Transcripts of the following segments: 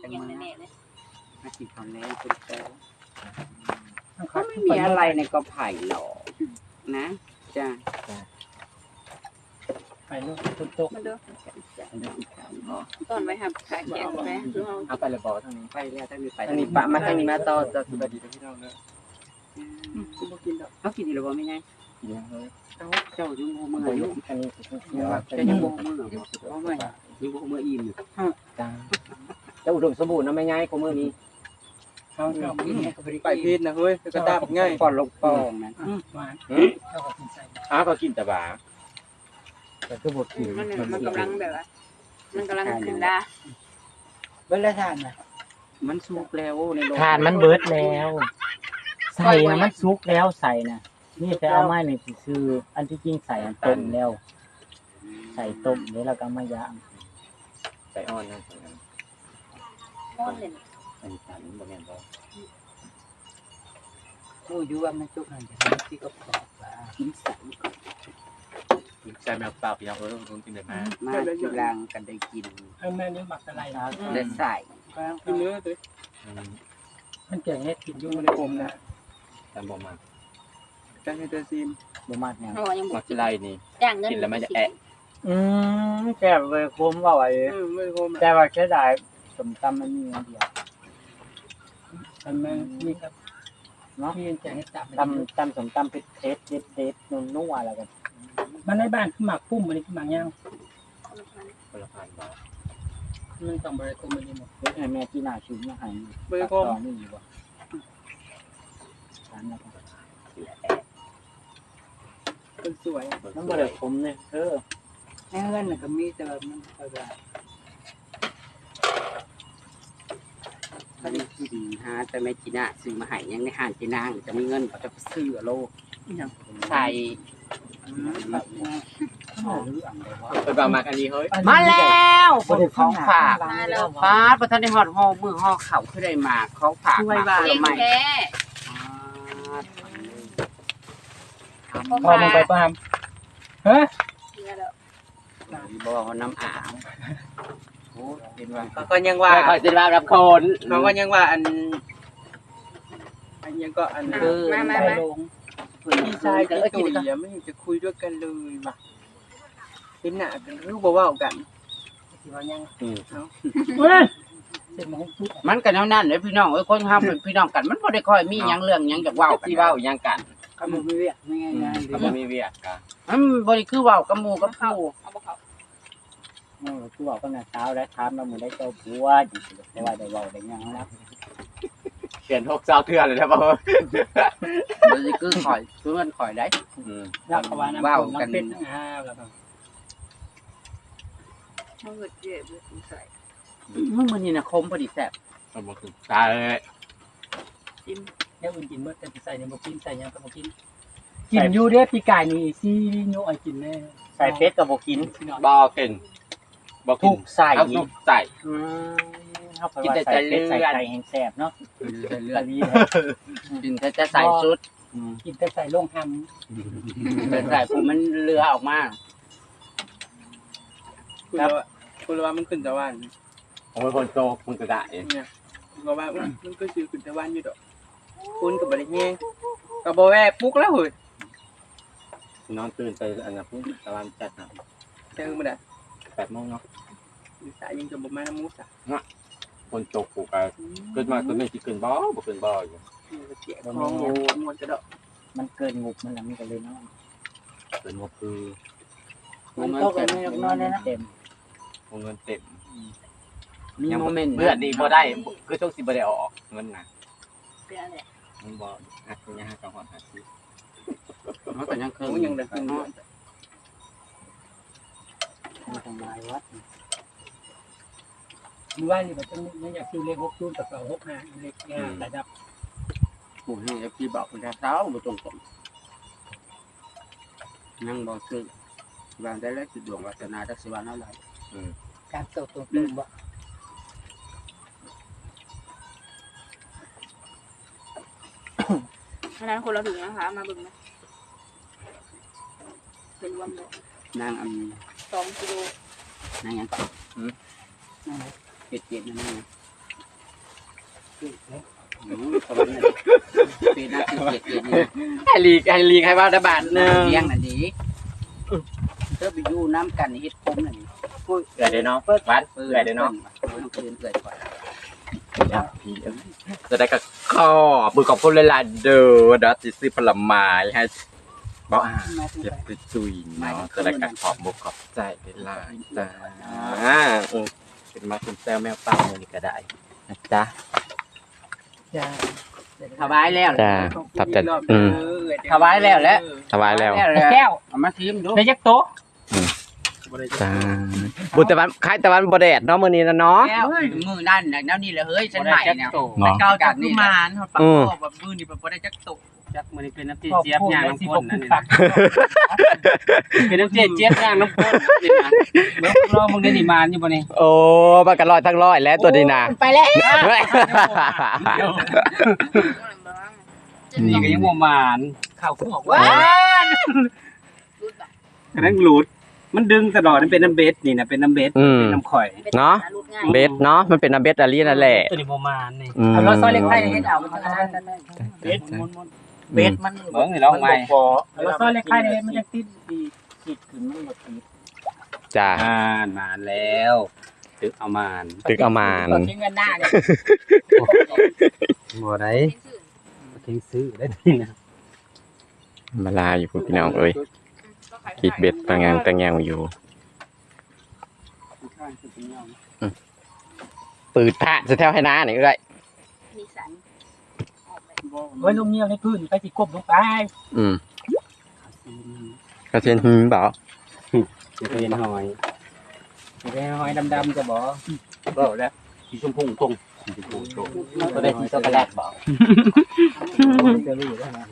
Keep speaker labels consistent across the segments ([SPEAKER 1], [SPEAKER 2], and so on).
[SPEAKER 1] จังมามากินข้าวแล้คุณโต
[SPEAKER 2] เขาไม่มีอะไรในกอไผ่หรอกนะจ้า
[SPEAKER 3] ไปลูกตุ๊กตุ๊ก
[SPEAKER 4] มาดู
[SPEAKER 2] จ้า
[SPEAKER 4] ตอนไว้ครับขายแกงไปคือเฮา
[SPEAKER 3] เอาไปเลยบอกทางนี้
[SPEAKER 2] ไปแล้วถ้ามีไป
[SPEAKER 3] ทางนี้ปะมาทางนี้มาต่อจะสวัสดีพี่น้องเด้อ
[SPEAKER 1] คุณบ่กินดอก
[SPEAKER 2] เขากินอยู่หรือเปล่าไม่ไง
[SPEAKER 3] กินยังเฮ้ย
[SPEAKER 2] เจ้าอยู่มือ
[SPEAKER 3] อัน
[SPEAKER 2] อยู่
[SPEAKER 3] นี้อันนี้
[SPEAKER 2] เจ้าอยู่มือเพราะว่าอยู่มืออิ่มอยู่
[SPEAKER 3] จ้าจะอุดมสมบูรณ์นะไม่ง่ายกว่ามือนี้
[SPEAKER 1] เขาชอบกิน
[SPEAKER 5] ไปพีดนะเฮ้ยกระตาบง่าย
[SPEAKER 2] ปอนลงปองนะ
[SPEAKER 1] หวานเจ้าก็กินใส่
[SPEAKER 3] อ้าวก็กินแต่บาแต่ก็บดกิน
[SPEAKER 4] มันกำลังแบบว่ามันกำลังขึ้นได้
[SPEAKER 1] เบิ่ละทานน่ะ
[SPEAKER 2] มันสุกแล้วในโลก
[SPEAKER 6] ทานมันเบิดแล้ว ใส่นะมันซุกแล้วใส่นะนี่แต่เอาไม้นี่คืออันที่จริงใส่อันต้มแล้ว ใส่ต้มแล้วเราก็มายาม
[SPEAKER 3] ใส่อ่อนนะ
[SPEAKER 4] ก้อนเลย
[SPEAKER 3] ใส่สันบ่แม่นบ่
[SPEAKER 1] ผู้อยู่ว่ามันจุกหันจะทำที่ก็ปอกว่า
[SPEAKER 2] กินใส่
[SPEAKER 3] ใส่แมวเปล่าพี่น้องเอ้ยผมกินได้มา
[SPEAKER 2] มาทีหลังกันได้กิน
[SPEAKER 1] เอาแม่นี่หมักอะไรนะ
[SPEAKER 2] ได้ใส่
[SPEAKER 5] กินเนื้อตัว
[SPEAKER 1] มันเก่งเฮ็ดกินอยู่ในกลมนะ
[SPEAKER 3] แต่บ่มา
[SPEAKER 5] จังให้เธอซีม
[SPEAKER 6] บ่มากเนี่ย
[SPEAKER 4] เฮายัง
[SPEAKER 3] มักสิไล่นี่
[SPEAKER 4] จ้างเงิน
[SPEAKER 3] กินแล้วมันจะแอะ
[SPEAKER 6] แซ่บเลยคุ้มว่าไว้
[SPEAKER 5] ไม่โคม
[SPEAKER 6] แต่ว่าแค่ได้สมตำมันมีอันเดียว
[SPEAKER 1] มันนี่ครับเนาะพี่จะให้จับ
[SPEAKER 6] ตำสมตำเผ็ดเด็ดนุ่มๆอะไรกัน
[SPEAKER 1] มันในบ้านคือหมักปุ้มมันนี่คือหมักย่าง
[SPEAKER 3] คนละพันบาท
[SPEAKER 1] มันต้องบริโภคมันนี่หมด
[SPEAKER 6] เฮ็ดให้แม่ที่หน้าชิมมาให้
[SPEAKER 5] ไม่โคม
[SPEAKER 6] ตอนนี้บ่ทานแล้วก็
[SPEAKER 5] คนสวย
[SPEAKER 6] มันบ่ได้ขมเนี่ย
[SPEAKER 1] ในเฮือนน่ะก็มีแต่ว่ามันก็ได้
[SPEAKER 2] ก็นี่ที่ดีฮะแต่ไม่กินอ่ะซื้อมาให้ยังในห้างจีนางจะมีเงินเขาจะไปซื้อโลใส่
[SPEAKER 3] ไปบางมาอันนี้เฮ้ย
[SPEAKER 2] มาแล้วของฝาก
[SPEAKER 4] มาแล้ว
[SPEAKER 2] ฟ้าประธานในหอดห่อมือห่อเข่าขึ้นได้มาเขาฝากมา
[SPEAKER 4] เก่ง
[SPEAKER 2] ใหม่
[SPEAKER 4] แท้
[SPEAKER 1] พอมึงไปปามฮะ
[SPEAKER 2] บอกน้ำอ่างโอ้เป็นว่า
[SPEAKER 5] เขาก็ยังว่า
[SPEAKER 2] คอยจะมารับคน
[SPEAKER 5] เขาก็ยังว่าอันยังก็อัน
[SPEAKER 2] คือ
[SPEAKER 4] มา
[SPEAKER 1] ไปลง
[SPEAKER 5] พี่ชายกับตุ๋ยไม่จะคุยด้วยกันเลยว่ะเป็นหน้ากันรู้บ่ว่ากัน
[SPEAKER 1] ที่ว่ายัง
[SPEAKER 3] อืม
[SPEAKER 1] เสร็จมาให้ทุก
[SPEAKER 2] มันกันนั่นเลยพี่น้องคนทำเป็นพี่น้องกันมันพอได้ค่อยมียังเรื่องยังจากว่า
[SPEAKER 3] ที่เว้ายังกัน
[SPEAKER 1] คำมือเวียกง่าย
[SPEAKER 3] ก็บ่มีเวียกกะ
[SPEAKER 2] มันบริคือว่ากับหมูกับผู้
[SPEAKER 4] เอาบ่เข้า
[SPEAKER 6] คือบอกว่าน่ะเช้าแล้วถามว่ามื้อได้เจ้าผัวดิแต่ว่าได้เว้าได้หยังนะ
[SPEAKER 3] เขียน6เจ้าเทื่อเลยนะบ่
[SPEAKER 2] บริคือข่อยคือมันข่อยได้
[SPEAKER 3] อืม
[SPEAKER 1] ๆรักกว่าน้ำน้ำเป็ดแล้วก็
[SPEAKER 4] เฮาเกิดเจ็บใส่
[SPEAKER 2] มึงมันนี่นะคมพอดีแซ่บ
[SPEAKER 3] ก็บ่คือตายเลย
[SPEAKER 1] แล้วอื่นกินเมื่อแต่ใส่ในบ่กินใส่ยังก็บ่กินกินอยู่เด้ปีกายนี่ซีโยไอกินแน่
[SPEAKER 6] ใส่เป็ดก็บ่กิน
[SPEAKER 3] บ่กินบ่กิ
[SPEAKER 6] ถู
[SPEAKER 3] น
[SPEAKER 6] กใส่
[SPEAKER 3] เอาทุกใส่
[SPEAKER 6] เฮาก็ว่าใส่เป็ดใส่ไก่แห้งแซ่บเนาะ
[SPEAKER 2] เลือ
[SPEAKER 6] ตะ
[SPEAKER 2] ด
[SPEAKER 6] ลี
[SPEAKER 2] กินจะใส่ชุด
[SPEAKER 1] กินแต่ใส่ลงห
[SPEAKER 2] แต่ใส่ผมมันเรือออกมา
[SPEAKER 5] คุณว่ามันขึ้นตะวัน
[SPEAKER 3] โอ้ยคนโตมันก็ได้
[SPEAKER 5] เนี่ยก็ว่ามันก็คือขึ้นตะวันอยู่ดอกคุณกับบริเฮงกับบแวปุ๊กแล้วเฮ้ย
[SPEAKER 3] นอนตื่นไปอันนั้นพุ่งตะวันจัดนะ
[SPEAKER 5] เจอมาได้
[SPEAKER 3] 8โมงเนาะ
[SPEAKER 5] สายยังจะบ่มาน้ำมูสอ่ะ
[SPEAKER 3] คนโตกูก็เกิดมาก็ไม่สิขึ้นบ่ขึ้นบ่อยู่
[SPEAKER 5] เจี๊ยบของโง่มวนจะดอก
[SPEAKER 6] มันเกินงบมันแล้วมันก็เลยเนาะ
[SPEAKER 3] เป็นงบคือ
[SPEAKER 6] มันตกกันไม่นอนเลยนะเต็ม
[SPEAKER 3] วงเงินเต็ม
[SPEAKER 2] มีโมเมนต์
[SPEAKER 3] เลือดดีบ่ได้คือช่วงสิบ่ได้ออกเงินน่ะ
[SPEAKER 4] เป็นอะไร
[SPEAKER 3] มันบ่หักยังหักกับหอดหักสิ
[SPEAKER 2] มันก็ยังเคย
[SPEAKER 5] กูยังได้ขึ้นด้วย
[SPEAKER 6] มันทำลายวัด
[SPEAKER 1] ำว่านี่มันจะไม่อยากซื้อเลข6 0กับ6 5เลขแต่ดับ
[SPEAKER 2] ผู้ให้พี่บอกคุณเช้าบ่ตรงผมยังบอกซื้อวางได้แล้วจุดดวงวัฒนาทักษิวานาไร
[SPEAKER 1] การเติบโตเป็นบ่
[SPEAKER 4] ฉะนั้นคนเราถึงนะคะมาเบิ่งนะเป็นรวมเลย
[SPEAKER 2] นางอัน
[SPEAKER 4] 2 กิโล
[SPEAKER 2] นางยังก่อนเป็ดนั่นเองเป็นหน้าที่เกียรตินี่
[SPEAKER 5] ให้ลีกให้ว่าได้บาทหนึง
[SPEAKER 2] เลี้ยงนั่นดีเธอไปอยู่น้ำกันเฮ็ดคมนั่นนี่
[SPEAKER 3] เอื่อยเด้อเนาะวัดเอื่อยเด้อเนาะ
[SPEAKER 2] ต้องเตือนเกิดก่อน
[SPEAKER 3] จะได้ก็ขอบมือขอบคุณหลายๆเด้อเดี๋ยวสิซื้อผลไม้ให้บ่เจ็บจุยๆเนาะจะได้ก็ขอบมุกขอบใจหลายๆจ้าเป็นมาคุณแซวแมวเป่ามื้อนี้ก็ได้นะจ๊ะ
[SPEAKER 1] จ้า
[SPEAKER 2] ถวายแล้ว
[SPEAKER 3] จ้าตับแต่
[SPEAKER 2] ถวายแล้วแหละ
[SPEAKER 3] ถวายแล้ว
[SPEAKER 1] แก้ว
[SPEAKER 2] เอามาชิมดู
[SPEAKER 1] ได้ยักโต๊ะ
[SPEAKER 3] จ้าบุญตะวันคล้ายตะวันบ่แดดเนาะมื้อนี้นะเนาะ
[SPEAKER 2] แก้วมือนั่นน่ะแนวนี้แหละเฮ้ยฉันใหม่เนี่ย
[SPEAKER 3] เนาะ
[SPEAKER 5] เก่าจากกุมารเฮาปักคอแบบมือนี่บ่ได้จักตุก
[SPEAKER 1] จักมื้อนี้เป็นน้ำตีเจี๊ยบย่างน้ำข้นนั่นนี่นะเป็นน้ำเจี๊ยบย่างน้ำข้นนี่นะเดี๋ยวรอมึงได้นี่มานอยู่บ่นี่
[SPEAKER 3] โอ้มันก็ร้อยทั้งร้อยแล้วตัวนี้นะ
[SPEAKER 2] ไปแล้ว
[SPEAKER 1] นี่ก็ยังบ่มานข้าวคือออกว่า
[SPEAKER 4] รูดบ่
[SPEAKER 1] กระทั่งหลุดมันดึงตลอดมันเป็นน้ำเบสนี่นะเป็นน้ำเบสเป็นน้ำข่อย
[SPEAKER 3] เนาะ
[SPEAKER 4] รูดง่าย
[SPEAKER 3] เบสเนาะมันเป็นน้ำเบสอารีนั่นแหละ
[SPEAKER 1] ตัวนี้บ่มานนี่
[SPEAKER 3] อืม
[SPEAKER 2] เอาเราซอยเล็กไผ่เฮ็ดเอามันจะได้
[SPEAKER 1] เบสมัน
[SPEAKER 2] เบสมัน
[SPEAKER 1] เบิ่งนี่ลองใหม่เราซอยเล็กไข่นี่มันจะติดดีติดขึ้นมันบ่ติด
[SPEAKER 3] จ้า
[SPEAKER 1] มาแล้วตึกเอามาน
[SPEAKER 3] ตึกเอามาน
[SPEAKER 2] ทิ้งเงินหน้าเนี่ย
[SPEAKER 1] บ่ได้
[SPEAKER 4] เป็นชื่อ
[SPEAKER 1] ทิ้งซื้อได้นี่นะ
[SPEAKER 3] มาลาอยู่พวกพี่น้องเอ้ยคิดเบ็ดต่างอย่างอยู่ปืดผ้าจะแถวให้น้าหน่อยก็ได้
[SPEAKER 4] นิสัยออกแบบ
[SPEAKER 1] เฮ้ยลงเงียบในพื้นไปสิกบลงไป
[SPEAKER 3] อืมกระเทียนหืมเปล่า
[SPEAKER 1] จะเป็นหอยจะเป็นหอยดำๆจะบ่บ่แล้วสีชมพูตรงสีชมพูตรง
[SPEAKER 2] ก็ได้ที่ช็อกโกแลตบอก
[SPEAKER 1] จะรู้ได้นะ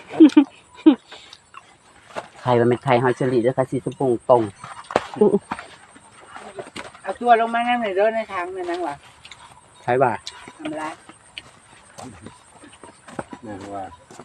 [SPEAKER 2] ไข่มันเป็นไข่หอยเชอรี่ด้วยค่ะสีชมพูตรง
[SPEAKER 5] เอาตัวลงมานั่งในเด้อในทางนั่นว่ะ
[SPEAKER 1] ใช่ป่ะ
[SPEAKER 5] ทำไร
[SPEAKER 1] นั่นว่า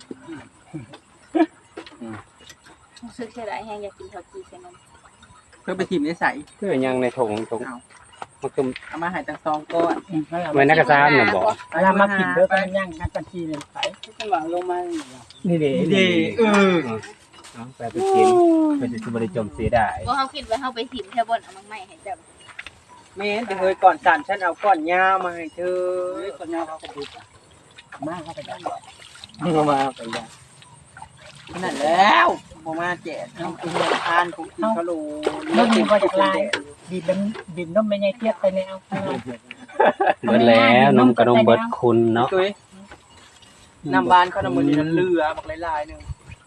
[SPEAKER 4] รู้สึกเสียดายแฮงอยากกินข้าวจีใส่นม
[SPEAKER 5] เพื่อไปถิ่มในใส
[SPEAKER 1] คือยังในถุงมันคือ
[SPEAKER 5] เอามาให้ตั้ง2ก้อน
[SPEAKER 1] เหมือนนักกระซ้ำน่ะบ่เวลามากินเด้อก็ย่างกันทีนึงไป
[SPEAKER 5] จังหวะลงมา
[SPEAKER 1] นี่เด้ไปกินไปสิบ่ได้จมเสียดาย
[SPEAKER 4] บ่เฮาคิดว่าเฮาไปถิ่มแค่บ่นเอามังใหม่ให้เจ้า
[SPEAKER 5] แม่นแต่เฮ้ยก่อนสั่นฉันเอาก้อนยาวมาให้เธอ
[SPEAKER 1] คนยาวเขาก็ดูมาเข้าไปได้มาไปได้
[SPEAKER 5] นั่นแล้วบ่มาแจกเอาไปเฮ็ดทานกูกินขะโหล
[SPEAKER 1] เรื่องนี้ก็จากลายบีบนมไม่ใหญ่เทียบไปแนว
[SPEAKER 7] เบิดแล้วนมกระนมเบิดคุณเนาะ
[SPEAKER 5] ตุ้ยน้ำบ้านเขาน้ำมันนี่เรือบักหลายๆนึง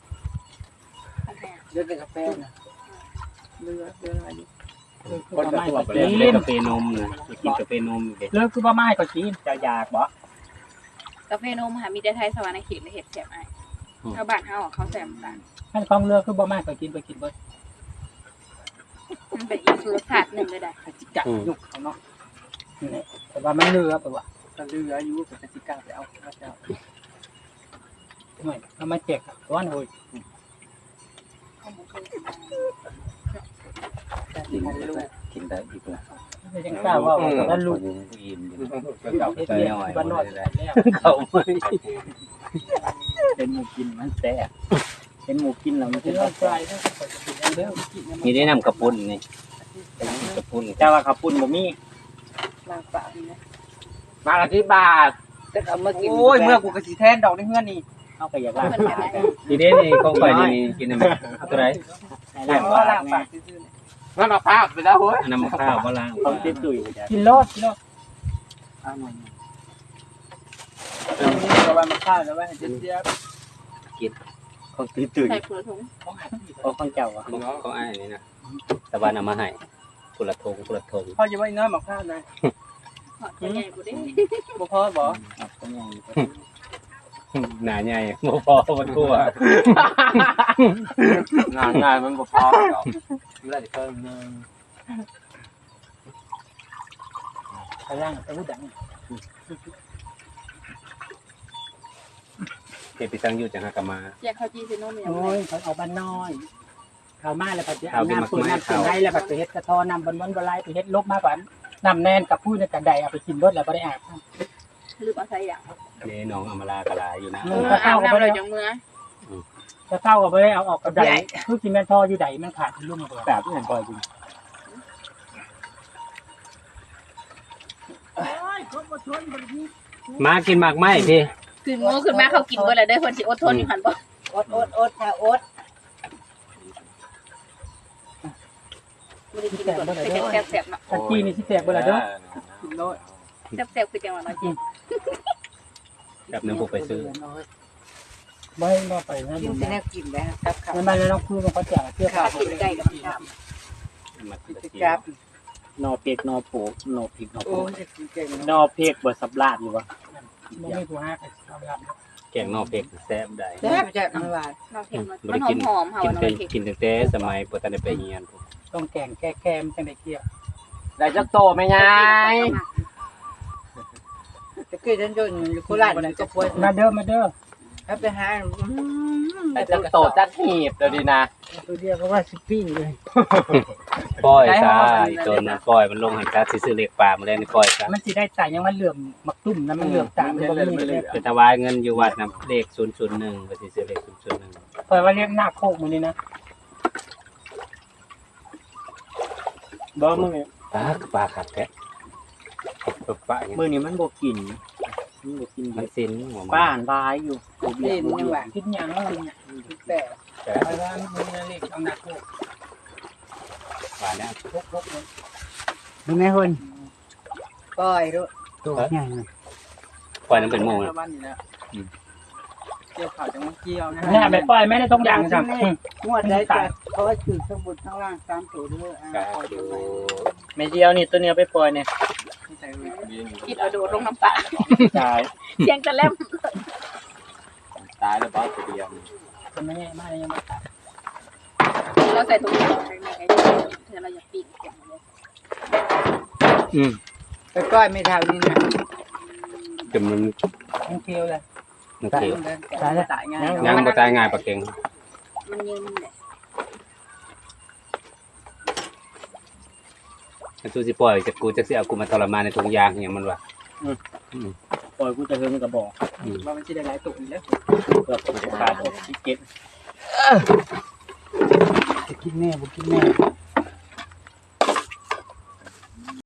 [SPEAKER 5] เลือดเป็นกาแฟนะเรืออะไรอยู่
[SPEAKER 1] คนก็ตัว
[SPEAKER 7] เล่นกาแฟนมนะกินกาแฟนมเด็
[SPEAKER 1] เลิกคือบ่ไม้ก็กินจะอยากบ่
[SPEAKER 4] กาแฟนมหามีแต่ไทยสวรรค์เขตและเฮ็ดแซ่บอ้ายชาวบ้านเฮาเขาแซ่บต่าง
[SPEAKER 1] ท่านฟังเลิกคือบ่ไม้ก็กินไปกินเบิด
[SPEAKER 4] มันเป็นอีกรสชาติหนึงเลยได้
[SPEAKER 5] จิกัดยุกเขาเนาะ
[SPEAKER 1] แต่ว่ามันเลือไปว่ะ
[SPEAKER 5] ก็เรืออยู่กับจิกัดไปเอาพระเจ้า
[SPEAKER 1] หน่อยเอามาเจ็กก้อนโอ้ย
[SPEAKER 5] แต่ที่มันลูก
[SPEAKER 7] กินได้อีกแล้ว
[SPEAKER 1] ยังกล้าว่าว่าลูก
[SPEAKER 7] อิ่ม
[SPEAKER 1] เฮ็ดเรียนบ้านนอกแล้ว
[SPEAKER 7] เขาไม่
[SPEAKER 1] เป็นหมูกินมันแซ่บเป็นหมูกินแล้วมันจะต้องใจเด้อ
[SPEAKER 7] มีได้นำกระปุนนี่กระปุน
[SPEAKER 1] แต่ว่าข้าวปุ้นบ่มี
[SPEAKER 5] ลางปากนี่นะ
[SPEAKER 1] มาละที่บาท
[SPEAKER 2] จะเอามากิน
[SPEAKER 5] โอ้ยเมื่อกูกระสีแทนดอกในเฮือนนี่
[SPEAKER 1] เอาไปอยากล้าง
[SPEAKER 4] เพิ่นแบบนั้น
[SPEAKER 7] ทีนี้นี่ของข่อยนี่กินได้ไหมเอาตัวไหน
[SPEAKER 1] ล้าง
[SPEAKER 5] ก็
[SPEAKER 1] ปาก
[SPEAKER 5] ลางปาก
[SPEAKER 1] แม่
[SPEAKER 5] ซื่อๆนี่
[SPEAKER 2] มันมาพาไปแล้วเฮ้ย
[SPEAKER 7] น้ำข้าวบ่ล้าง
[SPEAKER 1] เขาติดตุ่ยกินโลดเอาหน่อย
[SPEAKER 5] ก็ว่ามาข้าวแล้วว่าให้เจี๊ยบ
[SPEAKER 7] ของตื้อตื้อ
[SPEAKER 4] ใส่ผัวถุง
[SPEAKER 1] โอ้ของเจ้าอ่ะ
[SPEAKER 7] ของอ้ายนี่นะตะวันเอามาให้กุละทงกุละทง
[SPEAKER 5] พ่อจะว่าน้อยมาข้าวนะ
[SPEAKER 4] หอดตัวใหญ่บ่ได้
[SPEAKER 5] บ่พอบ่
[SPEAKER 1] เป็นยัง
[SPEAKER 7] หนาใหญ่บ่พอมันทั่ว
[SPEAKER 3] งานมันบ่พอหรอกเลือดเพิ่มนึง
[SPEAKER 1] ไปล้างไปหูดัง
[SPEAKER 7] เก็บไปตั้งอยู่จังหากะมา
[SPEAKER 4] อยากข้าวจีใส่นมอย่าง
[SPEAKER 1] โอ้
[SPEAKER 4] ไร
[SPEAKER 1] ยเขาเอาบ้านน้อยเขามาแล้วปัจจุบันน้ำปืนน้ำปืนได้แล้วปัจจุบันเฮ็ดกระทอน้ำบนบนบลายไปเฮ็ดลบมาก่อนน้ำแน่นกับพูดในกระไดเอาไปกินรถแล้วก็ได้อาบ
[SPEAKER 4] ลืมเอาใส่อย่าง
[SPEAKER 7] นี่น้องอมรากะลาอยู่นะ
[SPEAKER 6] ก็
[SPEAKER 4] อา
[SPEAKER 6] เข้า
[SPEAKER 4] บ
[SPEAKER 6] กับ
[SPEAKER 4] น้ำ
[SPEAKER 6] ไป
[SPEAKER 4] เลย
[SPEAKER 6] แล้ว
[SPEAKER 4] จังเมื่อ
[SPEAKER 6] ก็เข้ากับไปเอาออกกับใดคือกินแม่นทออยู่ใดมันขาดลุ่มกว่า
[SPEAKER 7] แบบที่เห็นบ่อยจริง มากินหมากไหมพี่
[SPEAKER 4] คือโง่ขึ้นมาเขากินเบิดแล้วเด้อเพิ่นสิอดทนอยู่หั่นบ่
[SPEAKER 2] อดค่ะอด
[SPEAKER 4] บ่ได้กินก่อนแซ่บๆเนาะ
[SPEAKER 6] ตะกี้นี่สิแตกเบ่ล่ะเด้อ
[SPEAKER 4] แซ่บๆคือจังหวะเนาะจิ
[SPEAKER 7] แบบนึงพวกไปซื้อ
[SPEAKER 6] บ่ให้มาไปนะ
[SPEAKER 2] กินแต่แนวกินแล้วครับครับ
[SPEAKER 6] มันมาแล้วต้องคุยกับเขาแจกเสื้อผ้า
[SPEAKER 2] ข้าวกินไก่กับข้าว
[SPEAKER 7] มากินตะ
[SPEAKER 2] กิน
[SPEAKER 7] เกีย
[SPEAKER 2] กั
[SPEAKER 7] บบ
[SPEAKER 6] นอเปียกนอโผนอพริกนอโผ
[SPEAKER 2] โอ้ยจะกินเก่ง
[SPEAKER 6] นอเปียกบ่สับลาดอยู่วะบ่มีผู้ฮักเอาละ
[SPEAKER 7] แกงนอกเผ็ดแซ่บได้
[SPEAKER 2] แซ่บจะมันหวาน
[SPEAKER 4] เนาะเห็น
[SPEAKER 7] บ่
[SPEAKER 4] มั
[SPEAKER 7] ได้
[SPEAKER 4] น
[SPEAKER 7] กิน
[SPEAKER 4] หอมๆเฮา
[SPEAKER 7] กิน
[SPEAKER 4] เนาะ
[SPEAKER 7] แต่
[SPEAKER 4] เค้ก
[SPEAKER 7] กินตั้งแต่สมัยบ่ทันได้ไปเรียน
[SPEAKER 6] ต้องแกงแก้แก้มจังได้เกี่ยว
[SPEAKER 3] ได้จักโตไหมยาย
[SPEAKER 2] ตะกี้ฉันอยู่โคราชนี่ก็ป่วย
[SPEAKER 6] มาเด้อมาเด้อ
[SPEAKER 2] ครับไปหา
[SPEAKER 3] ได้จักโตจักหีบเดี๋ยวดีนะ
[SPEAKER 6] ตัวเดียวก็ว่าสิปิ้งเลย
[SPEAKER 7] ปล่อยซะอีตัวนั้นปล่อยมันลงให้ซะสิซื้อเลขปลามาแล้วนี่ปล่อยซะ
[SPEAKER 6] มันสิได้จ่ายยังมันเหลื่อมมักตุ่มนะมันเหลื่อมตามันบ่มีเลย
[SPEAKER 7] เป็นถวายเงินอยู่วัดนํเลข001ก็สิซื้อเลข001
[SPEAKER 6] ปล่อยว่าเรียกหน้าโคกมื้อนี้นะบ่มื้อนี้
[SPEAKER 7] ปลาขัดแท้ปลาอย่าง
[SPEAKER 6] มื้อนี้มันบ่กินมันบ่กิน
[SPEAKER 7] มันสินหัว
[SPEAKER 6] บ้านบายอยู่
[SPEAKER 2] นี่มันยังหวาน
[SPEAKER 6] คิดหยังกินหยัง
[SPEAKER 2] แต่
[SPEAKER 6] ไปว่ามื้อนี้เลขเอาหน้าโคก
[SPEAKER 7] หวานแล้ว
[SPEAKER 6] พกๆเลย
[SPEAKER 2] ดูแม่คนปล่อยด้วย
[SPEAKER 6] ตัวใหญ่
[SPEAKER 7] ปล่อยนั้นเป็นหมู่
[SPEAKER 5] ชาวบ้านนี่แหละเกี่ยวข่าวจังว่าเกี่ยวนะ
[SPEAKER 6] เนี่ยไปปล่อยแม่ได้ต้องดังจัง
[SPEAKER 2] งวดได้จ้ะเขาว่าถือสมุดข้างล่าง3ตัวด้วย
[SPEAKER 7] ก็ดู
[SPEAKER 6] แม่เดียวนี่ตัวเนี้ยไปปล่อยเนี่ย
[SPEAKER 4] กินเอาโดดลงน้ำปลา
[SPEAKER 6] จ่าย
[SPEAKER 4] เสียงจะแล่ม
[SPEAKER 7] ตายแล้วบ่ตัวเดียว
[SPEAKER 6] คนไม่แย่มากเลยยังไม่ตัด
[SPEAKER 4] เราใส่ถุงมือในไอ้เธอเราอยากปิ้ง
[SPEAKER 2] ไปก้อยไม่เท่านี้นะ
[SPEAKER 7] จนมัน
[SPEAKER 6] ยังเคี้ยวเลย
[SPEAKER 7] มันเขียว
[SPEAKER 6] ตายแล้ว
[SPEAKER 5] ตายง่าย
[SPEAKER 7] ยังบ่ตายง่ายปลาเก่ง
[SPEAKER 4] มันยืนแหละ
[SPEAKER 7] ถ้าสู้สิปล่อยจะกูจะสิเอากูมาทรมานในถุงยางอหย่างมันวะ
[SPEAKER 6] ปล่อยกูจะเฮิงกระบอก
[SPEAKER 5] ว่ามันจะได้หลายตุ่มแล้ว
[SPEAKER 6] เพื่อผูกขาดที่เก็ตกินแม่บุกินแม่